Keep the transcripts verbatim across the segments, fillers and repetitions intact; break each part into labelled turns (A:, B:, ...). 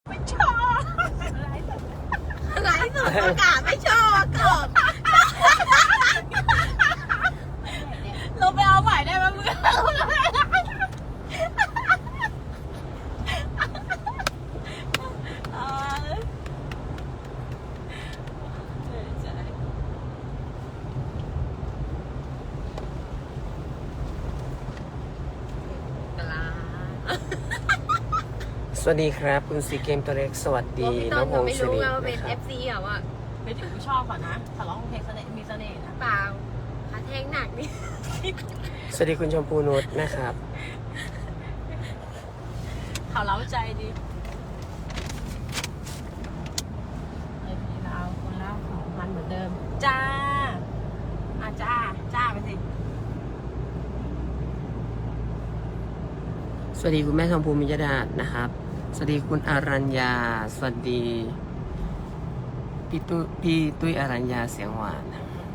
A: ไม่ชอบไลฟ์สดประกาศไม่ชอบกบเราไปเอาใหม่ได้ไหมมึง
B: สวัสดีครับคุณซีเกมตัวเล็กสวัสดีน้องพงศ์สิรินะครับ
A: เป็น เอฟ ซี อ่ะว่าไม่ถึงชอบก่อนนะถ้าร้องเพลงเสน่ห์มีเสน่ห์นะเปล่าขาแทงหนักนี่
B: สวัสดีคุณชมพูนุชนะครับ
A: เขาเล้าใจดีไอ้พี่เราคนละสองพันเหมือนเดิมจ้าอาจ้าจ้าไปสิ
B: สวัสดีคุณแม่ทองภูมิยดานะครับสวัสดีคุณอารัญญาสวัสดีพี่ตุ้ยพี่ตุ้ยอารัญญาเสียงหวาน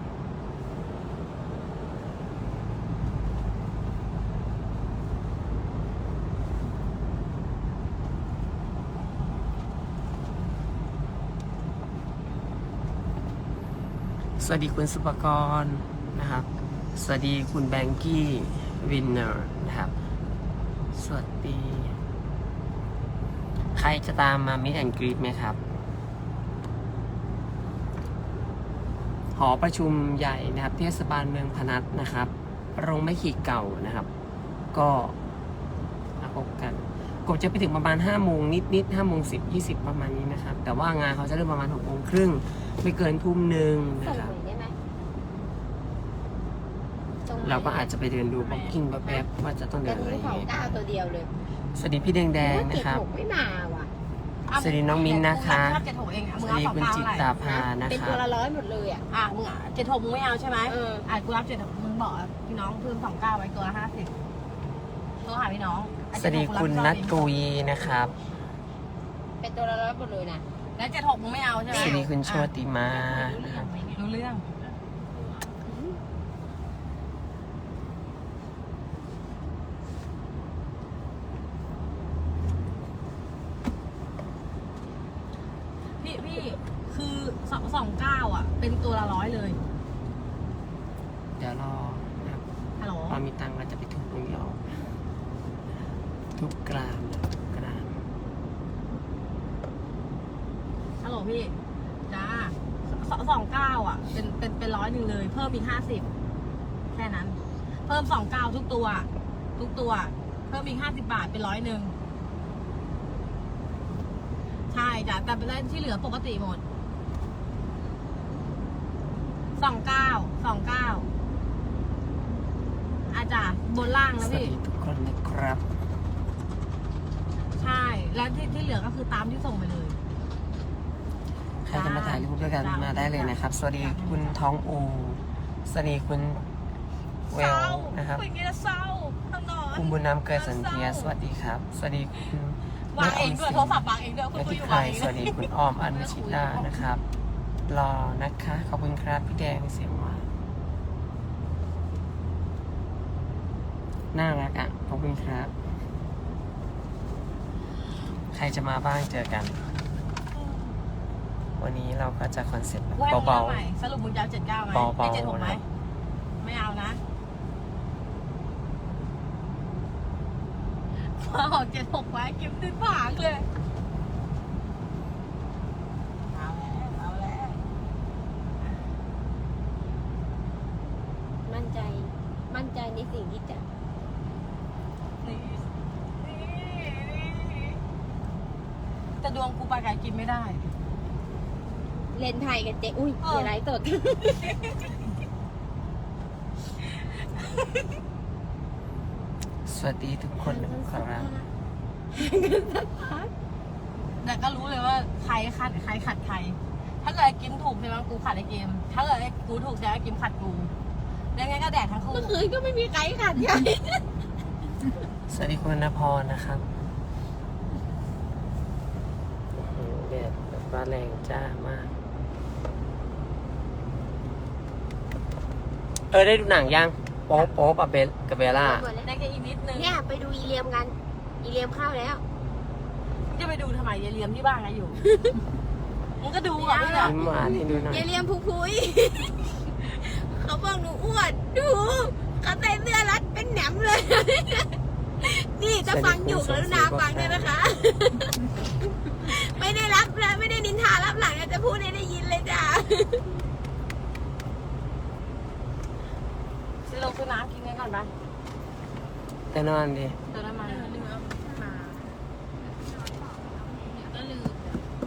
B: สวัสดีคุณสุปกรณ์นะครับสวัสดีคุณแบงกี้วินเนอร์นะครับสวัสดีใครจะตามมามิดแอนกรีดไหมครับหอประชุมใหญ่นะครับเทศบาลเมืองพนัสนะครับโรงไม้ขีดเก่านะครับก็มาพบกันกบจะไปถึงประมาณห้าโมงนิดนิดห้าโมงสิบยี่สิบประมาณนี้นะครับแต่ว่างานเขาจะเริ่มประมาณหกโมงครึ่งไม่เกินทุ่มหนึ่งนะครับเราก็อาจจะไปเดินดูบ็อกกิ้งแป๊บๆว่าจะต้องเดินอะไรยังไง
A: ตัวเดียวเลย
B: สวัสดีพี่แดงๆนะครับ
A: ไม่มาว่ะ
B: สวัสดีน้องมิ้นนะคะสวัสดีคุณจิตตาภานะ
A: เป็น
B: ครั
A: ตั
B: บ
A: วละร้อยหมดเลยอ่ะอ่ะมึงอ่ะเจ็ดหกมึงไม่เอาใช่ไหมเอออ่ะกูรับเจ็ดมึงบอกพี่น้องเพิ่มสองเก้าไว้ตัวละห้าสิบตัวหาพี่น้อง
B: สวัสดีคุณนัทกุยนะครับ
A: เป็นตัวละร้อยหมดเลยนะแล้วเจ็ดหกมึงไม่เอาใช่ไหม
B: สวัสดีคุณโชติมา
A: รู้เรื่องพี่พี่คือสองสองเก้าอ่ะเป็นตัวละร้อยเลย
B: เดี๋ยวรอนะครับ
A: ฮัลโหล
B: พอมีตังค์เราจะไปทุบตรงนี้ออกทุบกรามนะทุบกราม
A: ฮัลโหลพี่จ้าสองสองเก้าอ่ะเป็นเป็นเป็นร้อยหนึ่งเลยเพิ่มอีกห้าสิบแค่นั้นเพิ่มสองเก้าทุกตัวทุกตัวเพิ่มอีกห้าสิบบาทเป็นร้อยหนึ่งใช่จ้ะแต่เป็นที่เหลือปกติหมดสองเก้าสองเก้าอาจารย์บนล่างนะ
B: สวัส
A: พี่
B: ดีทุกคนนะครับ
A: ใช่แล้วที่ที่เหลือก็คือตามที่ส่งไปเลย
B: ใครจะมาถ่ายรูปด้วยกันมาได้เลยนะครับสวัสดีคุณท้องอูสวัสดีคุณเวลนะครับ
A: เป็นไงล่ะเศร้าต้องนอน
B: คุณบุญนำเกิดสันเทียสวัสดีครับสวัสดีคุณ
A: วางเองด้วยโทรศัพท์วางเองด้วยคุณ
B: และ
A: คุย
B: ที่
A: อยู่
B: ใคร
A: วางเอง
B: สวัสดีคุณอ้อมอัญชิตานะครับรอนะคะขอบคุณครับพี่แดงเสียงหวานน่ารักอ่ะขอบคุณครับใครจะมาบ้างเจอกัน วันนี้เราก็จะคอนเซ็ปต์แบบเบาๆ
A: สรุปมึงจะเอาเจ็ดเก้าไหม
B: เบาๆ
A: เจ็ดหกไหม
B: นะครับ
A: ไม่เอานะพอออกเจ็ดหกไว้กิมติดผางเลยเอาแล้วเอาแล้วมั่นใจมั่นใจในสิ่งที่จะนี่นี่แต่ดวงกูไปไกลกินไม่ได้เล่นไทยกันเจ๊อุ้ยเดี๋ยวไลฟ์สด
B: สวัสดีทุกคนนะครับ
A: แต่ก็รู้เลยว่าใครขัดใครขัดใครถ้าเกิดกินถูกใช่ไหมกูขัดไอ้เกมถ้าเกิดไอ้กูถูกจะไอ้เกมขัดกูแล้วงั้นก็แดกทั้งคู่เมื่อคืนก็ไม่มีใครขัดใคร
B: สวัสดีคุณณพรนะครับโอ้โหแดดแบบว่าแรงจ้ามากเออได้ดูหนังยังโป๊ะโป๊ะกับเบลกับเบลล่า
A: ได้แค่อีกนิดนึง
C: เนี่ยไปดูอีเลียมกันอีเลียมเข้าแล้ว
A: จะไปดูทำไมยายเลียมที่บ้านไงอยู่ มึงก็ดูก่อนด้วยเหรอ
B: ยิ้มหวานให้ดูหน่อย
C: อย่าเรียมพุพุย เขาบอกหนูอ้วนดูเขาใส่เสื้อรัดเป็นแหนมเลย นี่จะฟังอยู่กรุณาฟังด้วยนะคะ ไม่ได้รับนะไม่ได้นินทารับหลังนะจะพูดให้ได้ยินเลยจ้ะ
A: ซื้อลงซื้อน้ำกินกันก่อนปะ
B: แต่นอนดิ
A: เติมน้ำมัน
C: ลืมเอามาก็ลืม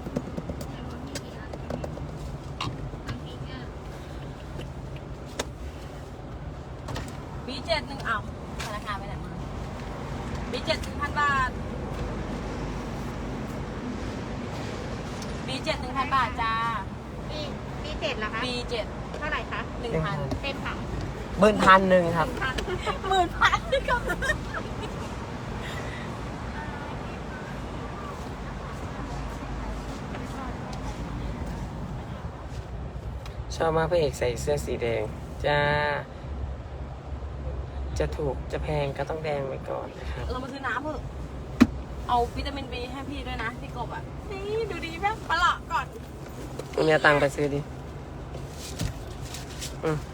A: บีเจ็ดหนึ่งเอาธนาคารไปไหนมาบีเจ็ดหนึ่งพันบาทบีเจ็ดหนึ่งพันบาทจ้า
C: ปีปีเจ็ดเหรอคะ
A: บีเจ็ด
C: เท่าไหร่คะ
A: หนึ่งพัน
C: เต็มค่ะ
B: เบิ้ลพันหนึ่งครับ
C: พัน
A: หมื่นพันก็
B: ชอบมากพระเอกใส่เสื้อสีแดงจ้า จะถูกจะแพงก็ต้องแดงไว้ก่อนนะครับ
A: เรามาซื้อน้ำเถอะเอาวิตามินบีให้พี่ด้วยนะพี่กบอ่ะนี่ดูดีแม่ปลาะก่อน
B: มึงมีตังค์ไปซื้อดิอืม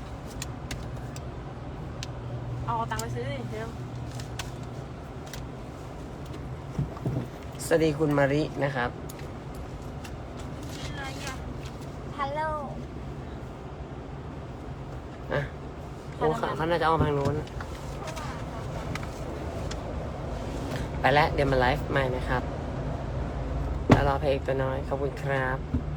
A: เอาตังค์ไปซื้อดิเดี๋ยว
B: สวัสดีคุณมารินะครับ
C: อะไรอ่ะ
A: ฮัลโหล
B: อ่ะโอ้เขาเขาน่าจะเอาทางนู้น ไปแล้วเดี๋ยวมาไลฟ์ใหม่นะครับ แล้วรอเพลงตัวน้อย ขอบคุณครับ